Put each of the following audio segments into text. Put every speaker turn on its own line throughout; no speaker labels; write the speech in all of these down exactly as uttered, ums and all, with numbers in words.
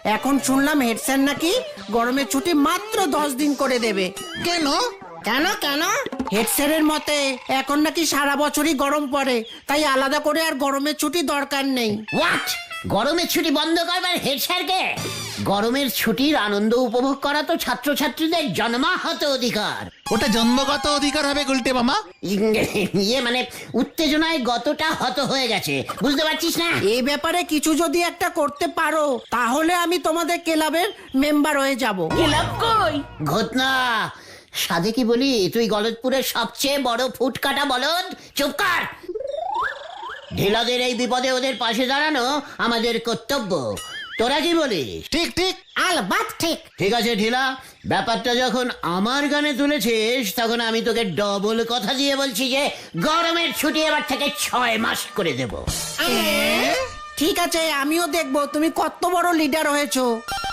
এখন শুনলাম head sir নাকি গরমের ছুটি মাত্র দশ দিন করে দেবে।
কেন?
কেন কেন হেড স্যারের মতে এখন নাকি সারা বছরই গরম পড়ে, তাই আলাদা করে আর গরমের ছুটি দরকার নেই।
হোয়াট? গরমের ছুটি বন্ধ করবার হেড স্যারকে? গরমের ছুটির আনন্দ উপভোগ করা তো ছাত্রছাত্রীদের জন্মাহত অধিকার।
ওটা জন্মগত অধিকার হবে গুলটে মামা।
ইয়ে মানে উত্তেজনায় গতটা হত হয়ে গেছে, বুঝতে পারছিস না?
এই ব্যাপারে কিছু যদি একটা করতে পারো তাহলে আমি তোমাদের ক্লাবের মেম্বার হয়ে যাব।
ক্লাব কই?
ঘটনা সাধে কি বলি, তুই গলদপুরের সবচেয়ে বড় ফুটকাটা বলদ। চুপ কর। ঢিলাদের এই বিপদে ওদের পাশে দাঁড়ানো আমাদের কর্তব্য। তোরা কি বলিস?
ঠিক ঠিক।
আলবাত ঠিক।
ঠিক আছে ঢিলা, ব্যাপারটা যখন আমার গানে তুলেছিস তখন আমি তোকে ডবল কথা দিয়ে বলছি যে গরমের ছুটি এবার থেকে ছয় মাস করে দেব।
ঠিক আছে, আমিও দেখবো তুমি কত বড় লিডার হয়েছো।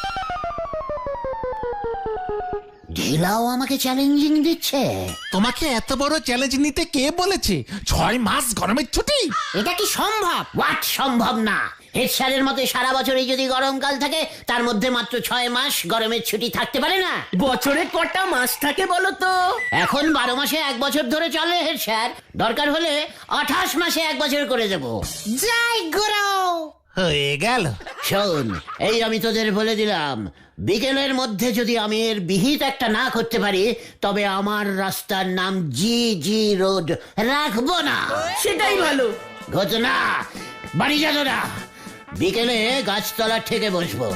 ঢিলাও আমাকে চ্যালেঞ্জিং দিচ্ছে।
তোমাকে এত বড় চ্যালেঞ্জ নিতে কে বলেছে? ছয় মাস গরমের ছুটি?
এটা কি সম্ভব?
হোয়াট সম্ভব না? হেড স্যারের মতে সারা বছরই যদি গরমকাল থাকে তার মধ্যে মাত্র ছয় মাস গরমের ছুটি থাকতে পারে না।
বছরে কটা মাস থাকে বলো তো?
এখন বারো মাসে এক বছর ধরে চলে হেড স্যার, দরকার হলে আঠাশ মাসে এক বছর করে দেব।
জয় গুরু।
হয়ে গেল।
শোন, এই আমি তোদের বলে দিলাম, বিকেলের মধ্যে যদি আমি এর বিহিত একটা না করতে পারি তবে আমার রাস্তার নাম জি জি রোড রাখবো না।
সেটাই ভালো।
ঘটনা বাড়ি যাবো না, বিকেলে গাছতলা থেকে বসবো।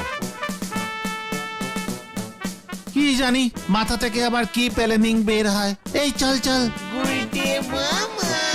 কি জানি মাথা থেকে আবার কি প্ল্যানিং বের হয়। এই চল চল।
গুলটে মামা